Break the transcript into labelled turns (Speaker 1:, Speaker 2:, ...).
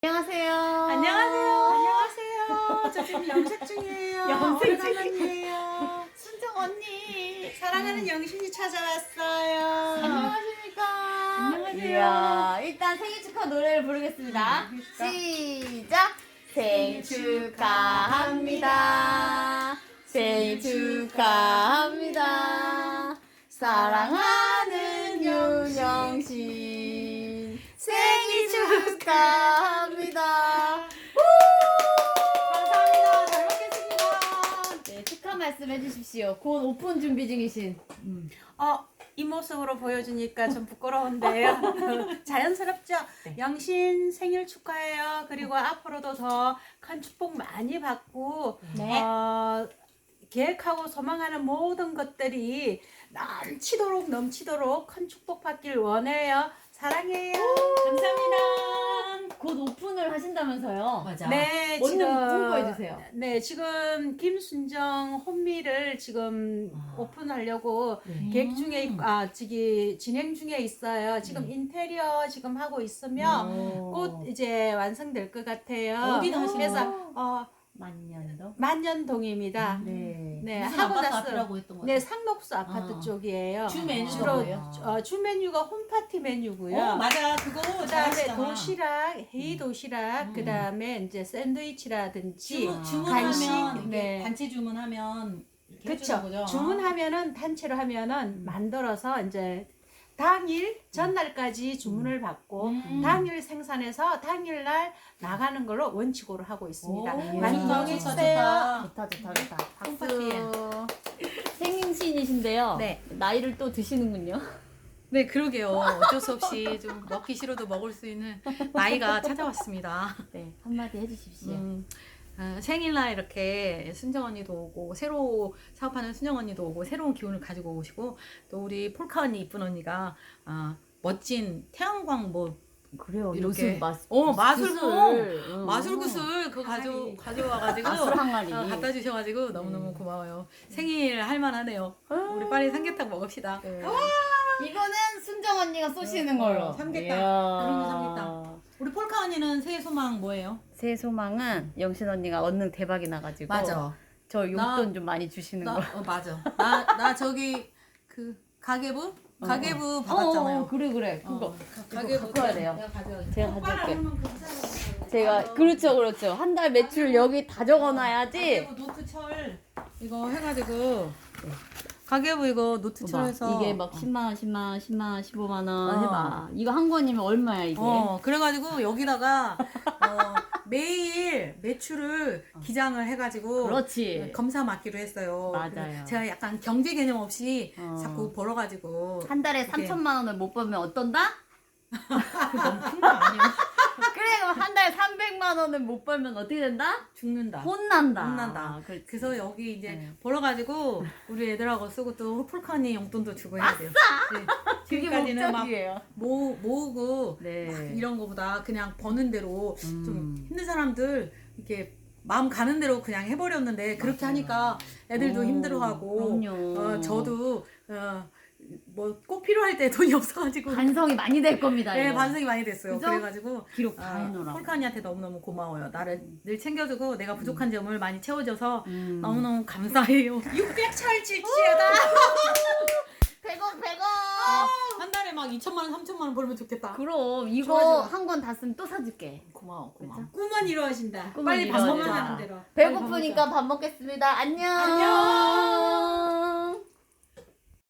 Speaker 1: 안녕하세요.
Speaker 2: 안녕하세요. 안녕하세요. 저 지금 염색 중이에요.
Speaker 1: 염색
Speaker 2: 오랜만이에요.
Speaker 1: 순정 언니.
Speaker 2: 사랑하는 영신이 찾아왔어요.
Speaker 1: 안녕하십니까.
Speaker 2: 안녕하세요.
Speaker 1: 이야, 일단 생일 축하 노래를 부르겠습니다. 시작. 생일 축하합니다. 생일 축하합니다. 사랑하는 윤영신 생일 축하합니다.
Speaker 2: 감사합니다. 잘 먹겠습니다.
Speaker 1: 네, 축하 말씀 해주십시오. 곧 오픈 준비 중이신.
Speaker 2: 이 모습으로 보여주니까 좀 부끄러운데요. 자연스럽죠?
Speaker 1: 네.
Speaker 2: 영신 생일 축하해요. 그리고 앞으로도 더 큰 축복 많이 받고
Speaker 1: 네.
Speaker 2: 계획하고 소망하는 모든 것들이 넘치도록 큰 축복 받길 원해요. 사랑해요.
Speaker 1: 감사합니다. 곧 오픈을 하신다면서요?
Speaker 3: 맞아.
Speaker 2: 네,
Speaker 1: 언니
Speaker 2: 지금
Speaker 1: 홍보해주세요.
Speaker 2: 네, 지금 김순정 혼미를 지금 오픈하려고 계획 중에 진행 중에 있어요. 지금 인테리어 지금 하고 있으면 곧 이제 완성될 것 같아요.
Speaker 3: 어디다 하시는
Speaker 2: 그래서
Speaker 1: 만년도?
Speaker 2: 만년동입니다.
Speaker 1: 네.
Speaker 2: 네,
Speaker 3: 무슨
Speaker 2: 하고
Speaker 3: 아파트
Speaker 2: 났어요.
Speaker 3: 앞이라고 했던 거
Speaker 2: 네,
Speaker 3: 같아요.
Speaker 2: 상록수 아파트 쪽이에요.
Speaker 3: 주 메뉴가
Speaker 2: 주로
Speaker 3: 뭐예요?
Speaker 2: 주 메뉴가 홈파티 메뉴고요.
Speaker 3: 맞아. 그거
Speaker 2: 그다음에
Speaker 3: 잘하시잖아.
Speaker 2: 도시락, 헤이 도시락, 그다음에 이제 샌드위치라든지
Speaker 3: 주문하면
Speaker 2: 간식,
Speaker 3: 이렇게
Speaker 2: 네.
Speaker 3: 단체 주문하면 이렇게
Speaker 2: 그렇죠.
Speaker 3: 해주는 거죠.
Speaker 2: 주문하면은 단체로 하면은 만들어서 이제 당일 전날까지 주문을 받고 당일 생산해서 당일날 나가는 걸로 원칙으로 하고 있습니다.
Speaker 3: 오,
Speaker 2: 많이
Speaker 1: 좋다,
Speaker 2: 이용해
Speaker 3: 좋다,
Speaker 2: 주세요.
Speaker 1: 좋다. 박수.
Speaker 3: 홈파티에.
Speaker 1: 생신이신데요.
Speaker 3: 네.
Speaker 1: 나이를 또 드시는군요.
Speaker 4: 네, 그러게요. 어쩔 수 없이 좀 먹기 싫어도 먹을 수 있는 나이가 찾아왔습니다.
Speaker 1: 네, 한마디 해주십시오.
Speaker 4: 생일날 이렇게 순정 언니도 오고 새로 사업하는 순정 언니도 오고 새로운 기운을 가지고 오시고 또 우리 폴카 언니 이쁜 언니가 멋진 태양광 뭐
Speaker 1: 그래요.
Speaker 4: 이렇게
Speaker 1: 요즘
Speaker 4: 마술구슬 그거 가져와가지고
Speaker 1: 마술 항아리.
Speaker 4: 갖다 주셔가지고 너무너무 고마워요. 생일 할만하네요. 우리 빨리 삼계탕 먹읍시다.
Speaker 1: 네. 이거는 순정 언니가 쏘시는 걸로.
Speaker 3: 삼계탕.
Speaker 1: 이야.
Speaker 3: 그런 거 삼계탕. 우리 폴카 언니는 새해 소망 뭐예요?
Speaker 1: 새 소망은 영신 언니가 얻는 대박이 나가지고 저 용돈 좀 많이 주시는 거.
Speaker 3: 맞아. 나 저기 그 가계부 받았잖아요.
Speaker 1: 그래. 그거
Speaker 3: 가계부
Speaker 1: 갖고 와야 돼요.
Speaker 3: 내가 가져갈게.
Speaker 1: 제가 가져올게. 제가 그렇죠. 한 달 매출 여기 다 적어놔야지.
Speaker 3: 가계부 노트철 이거 해가지고 가계부 이거 노트철해서
Speaker 1: 이게 막 10만 원, 15만 원 해봐. 이거 한 권이면 얼마야 이게?
Speaker 4: 그래가지고 여기다가 매일 매출을 기장을 해가지고
Speaker 1: 그렇지.
Speaker 4: 검사 맡기로 했어요.
Speaker 1: 맞아요.
Speaker 4: 그래서 제가 약간 경제 개념 없이
Speaker 1: 어.
Speaker 4: 자꾸 벌어가지고
Speaker 1: 한 달에
Speaker 4: 이렇게.
Speaker 1: 3천만 원을 못 벌면 어떤다?
Speaker 4: 너무 큰 거 아니에요?
Speaker 1: 그래 그럼 한 달에 300만 원을 못 벌면 어떻게 된다?
Speaker 4: 죽는다.
Speaker 1: 혼난다.
Speaker 4: 혼난다.
Speaker 1: 그렇지.
Speaker 4: 그래서 여기 이제
Speaker 1: 네.
Speaker 4: 벌어가지고 우리 애들하고 쓰고 또 폴카니 용돈도 주고 해야 돼요. 네.
Speaker 1: 그게
Speaker 4: 지금까지는 막
Speaker 1: 목적이에요.
Speaker 4: 모으고
Speaker 1: 네.
Speaker 4: 막 이런 거보다 그냥 버는 대로
Speaker 1: 음.
Speaker 4: 좀 힘든 사람들 이렇게 마음 가는 대로 그냥 해버렸는데 그렇게 하니까 애들도
Speaker 1: 오,
Speaker 4: 힘들어하고
Speaker 1: 그럼요.
Speaker 4: 저도 뭐 꼭 필요할 때 돈이 없어가지고
Speaker 1: 반성이 많이 될 겁니다.
Speaker 4: 네
Speaker 1: 이거.
Speaker 4: 반성이 많이 됐어요.
Speaker 1: 그죠?
Speaker 4: 그래가지고
Speaker 1: 기록 다 해놓으라고.
Speaker 4: 폴카니한테 너무너무 고마워요. 나를 늘 챙겨주고 내가 부족한 점을 많이 채워줘서
Speaker 1: 음.
Speaker 4: 너무너무 감사해요.
Speaker 2: 600철 칠지어다.
Speaker 1: 100원.
Speaker 4: 한 달에 막 2천만 원, 3천만 원 벌면 좋겠다.
Speaker 1: 그럼 이거
Speaker 4: 좋아.
Speaker 1: 한 권 다 쓰면 또 사줄게.
Speaker 4: 고마워.
Speaker 2: 꿈은 이루어진다.
Speaker 1: 꿈은
Speaker 2: 빨리
Speaker 1: 이루어진다.
Speaker 2: 방송하는 대로.
Speaker 1: 배고프니까 밥 먹겠습니다. 안녕.
Speaker 2: 안녕.